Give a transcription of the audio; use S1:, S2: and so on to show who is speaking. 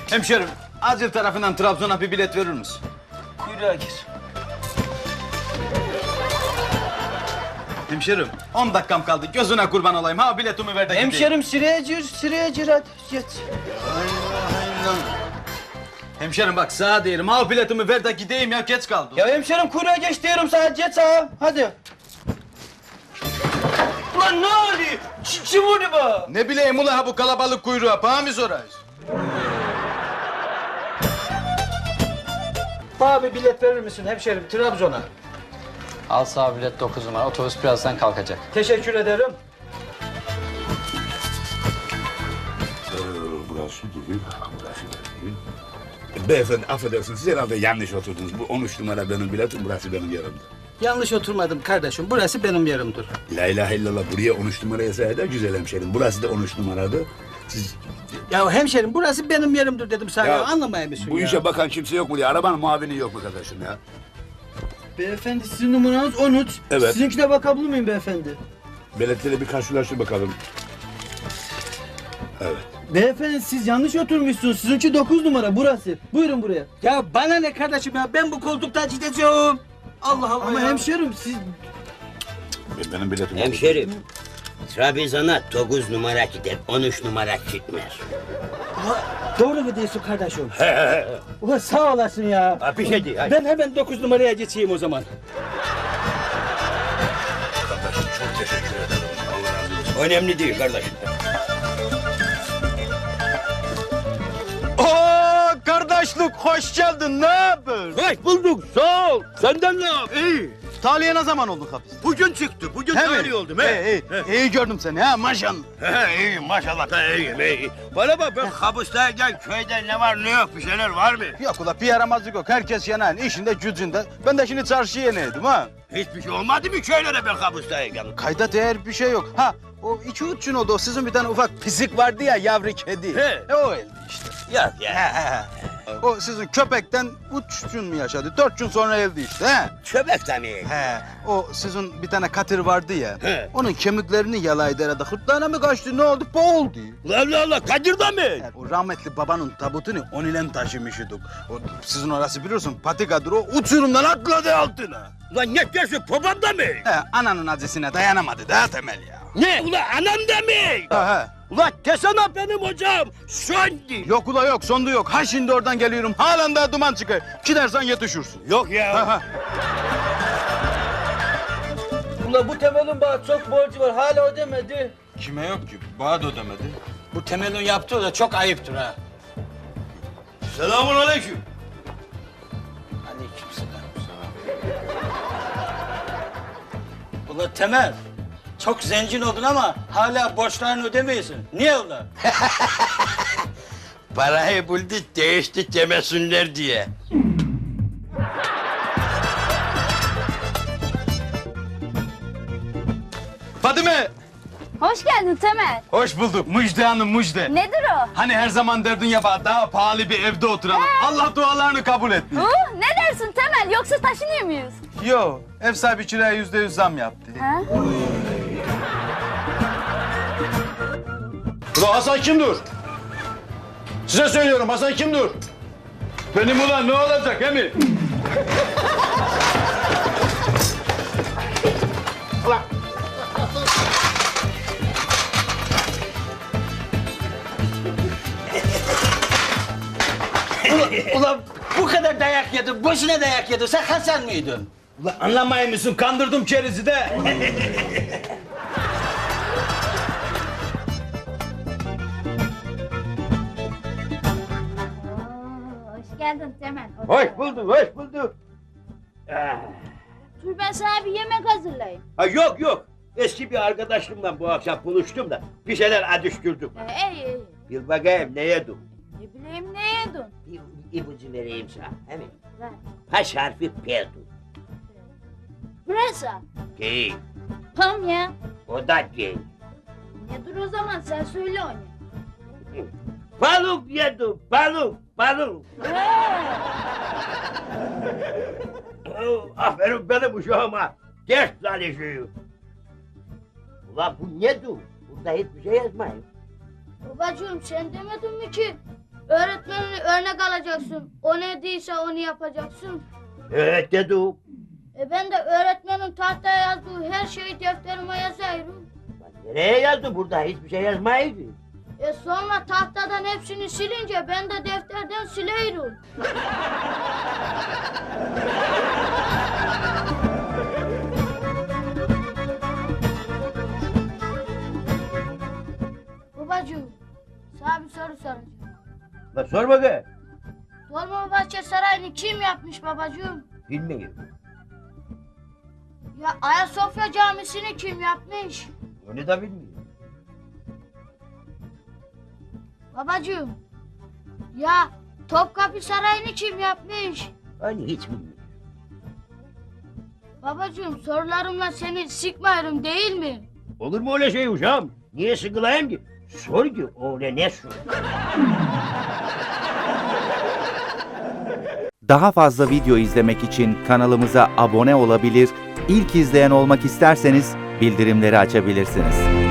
S1: Hemşerim, acil tarafından Trabzon'a bir bilet verir misin?
S2: Kuyruğa gir.
S1: Hemşerim, 10 dakikam kaldı. Gözüne kurban olayım. Ha biletimi ver de gideyim.
S2: Hemşerim sıraya gir hadi geç.
S1: Hemşerim bak sağa diyelim. Ha biletimi ver de gideyim ya geç kaldım.
S2: Ya hemşerim kuyruğa geç diyorum sana geç sağa hadi. Ulan ne oluyor? Kim vurdu bu?
S1: Ne bileyim ula bu kalabalık kuyruğa. Bana mı sorayız?
S2: Bana bir bilet verir misin hemşerim Trabzon'a?
S3: Al sağ bilet 9 numara. Otobüs birazdan kalkacak.
S2: Teşekkür ederim.
S4: Burası değil, burası değil. Beyefendi affedersiniz, siz herhalde yanlış oturdunuz. Bu 13 numara benim biletim, burası benim yerimdir.
S2: Yanlış oturmadım kardeşim. Burası benim yerimdir.
S4: La ilahe illallah, buraya 13 numaraya sayede güzel hemşerim. Burası da 13 numaradı. Siz...
S2: Ya hemşerim burası benim yerimdir dedim sana. Ya, anlamaya mısın
S4: Bu
S2: ya?
S4: işe bakan kimse yok mu diye, arabanın muavini yok mu kardeşim ya?
S2: Beyefendi sizin numaranız 13.
S4: Evet.
S2: Sizinkine bakabilir miyim beyefendi?
S4: Biletleri bir karşılaştır bakalım. Evet.
S2: Beyefendi siz yanlış oturmuşsunuz. Sizinki 9 numara burası. Buyurun buraya. Ya bana ne kardeşim ya? Ben bu koltuktan gideceğim. Allah Allah. Ama hemşerim siz...
S4: Benim biletim...
S5: Hemşerim, Trabzon'a 9 numara gider, 13 numara gitmez.
S2: Doğru mu diyorsun kardeşim? Ulan sağ olasın ya.
S5: Ha, bir şey değil, hadi.
S2: Ben hemen 9 numaraya geçeyim o zaman.
S4: Kardeşim çok teşekkür ederim. Allah razı olsun.
S5: Önemli değil kardeşim.
S1: Oo kardeşlik hoş geldin. Ne haber?
S5: Hoş bulduk, sağ ol. Senden ne yap? İyi.
S1: Tahliye ne zaman oldun hapis?
S5: Bugün çıktı, bugün
S1: He mi?
S5: tahliye oldum.
S1: İyi gördüm seni ha maşallah.
S5: İyiyim maşallah da iyiyim, iyi. Bana bak ben hapisteyken köyde ne var ne yok bir şeyler var mı?
S1: Yok ula bir yaramazlık yok. Herkes yanan işinde gücünde. Ben de şimdi çarşıya yeneydim ha.
S5: Hiçbir şey olmadı mı köylere ben hapisteyken?
S1: Kayda değer bir şey yok. Ha o 2-3 gün oldu. O sizin bir tane ufak pisik vardı ya yavru kedi.
S5: He.
S1: O öldü işte.
S5: Yok ya.
S1: O sizin köpekten 3 gün mü yaşadı? 4 gün sonra öldü işte. He.
S5: Köpek de mi?
S1: He. O sizin bir tane katır vardı ya.
S5: He.
S1: Onun kemiklerini yalaydı herhalde. Hırtlağına mı kaçtı? Ne oldu? Boğuldu.
S5: Allah Allah, Kadir de mi?
S1: Yani o rahmetli babanın tabutunu on ile taşımıştık. O sizin orası biliyorsun patikadır. O uçurumdan atladı altına.
S5: Ulan ne diyorsun, babam da mı?
S1: He, ananın acısına dayanamadı daha temel ya.
S5: Ne? Ulan anam da mı?
S1: He.
S5: Ulan desene benim hocam, söndü.
S1: Yok ula yok, sondu yok. Ha şimdi oradan geliyorum, halen daha duman çıkıyor. Gidersen yetişirsin.
S5: Yok ya.
S1: Ha.
S2: Ulan bu Temel'in bana çok borcu var. Hala ödemedi.
S1: Kime yok ki? Bana da ödemedi.
S2: Bu Temel'in yaptığı da çok ayıptır ha.
S5: Selamun aleyküm.
S2: Aleykümselam. Ulan Temel, çok zengin oldun ama hala borçlarını ödemiyorsun. Niye ulan?
S5: Parayı bulduk, değişti demesinler diye.
S1: Fadime!
S6: Hoş geldin Temel.
S1: Hoş bulduk. Müjde hanım müjde.
S6: Nedir o?
S1: Hani her zaman derdin ya daha pahalı bir evde oturalım. Allah dualarını kabul etti.
S6: Ne dersin Temel? Yoksa taşınıyor muyuz?
S1: Yo, ev sahibi kiraya %100 zam yaptı.
S6: Ha?
S1: Ulan Hasan kimdir? Size söylüyorum Hasan kimdir? Benim ulan ne olacak he mi?
S2: Ulan bu kadar dayak yedin, boşuna dayak yedin. Sen Hasan mıydın?
S1: Ulan anlamayın mısın? Kandırdım kerizi de.
S6: Hoş geldin Temel.
S5: Hoş bulduk, hoş bulduk.
S6: Dur ben sana bir yemek hazırlayayım.
S5: Ha yok yok, eski bir arkadaşımla bu akşam buluştum da bir şeyler adıştırdık.
S6: İyi.
S5: Bir bakayım ne yedim?
S6: Ne bileyim ne yedin?
S5: Bir ipucu vereyim sana, he mi?
S6: Ver.
S5: Baş harfi P'du.
S6: Pırasa.
S5: Değil,
S6: Tam ya.
S5: o da değil.
S6: Nedir o zaman sen söyle onu.
S5: Balık yedim, balık, balık. Aferin benim uşağıma. Ders çalışıyor. Ulan bu nedir? Burada hiçbir şey yazmayın.
S6: Babacığım sen demedin mi ki? Öğretmenini örnek alacaksın. O ne değilse onu yapacaksın.
S5: Evet dedim.
S6: Ben de öğretmenin tahtaya yazdığı her şeyi defterime yazıyorum.
S5: Nereye yazdı burada? Hiçbir şey yazmaydı.
S6: Sonra tahtadan hepsini silince ben de defterden silerim. Babacığım, sana bir soru soracağım.
S5: La sor bakayım.
S6: Dolmabahçe Sarayı'nı kim yapmış babacığım?
S5: Bilmiyorum.
S6: Ya Ayasofya Camisi'ni kim yapmış?
S5: Onu da bilmiyorum.
S6: Babacığım, ya Topkapı Sarayı'nı kim yapmış?
S5: Hani hiç bilmiyorum.
S6: Babacığım sorularımla seni sıkmıyorum değil mi?
S5: Olur mu öyle şey uşağım? Niye sıkılayım ki? Sor ki öyle ne sor?
S7: Daha fazla video izlemek için kanalımıza abone olabilir, ilk izleyen olmak isterseniz bildirimleri açabilirsiniz.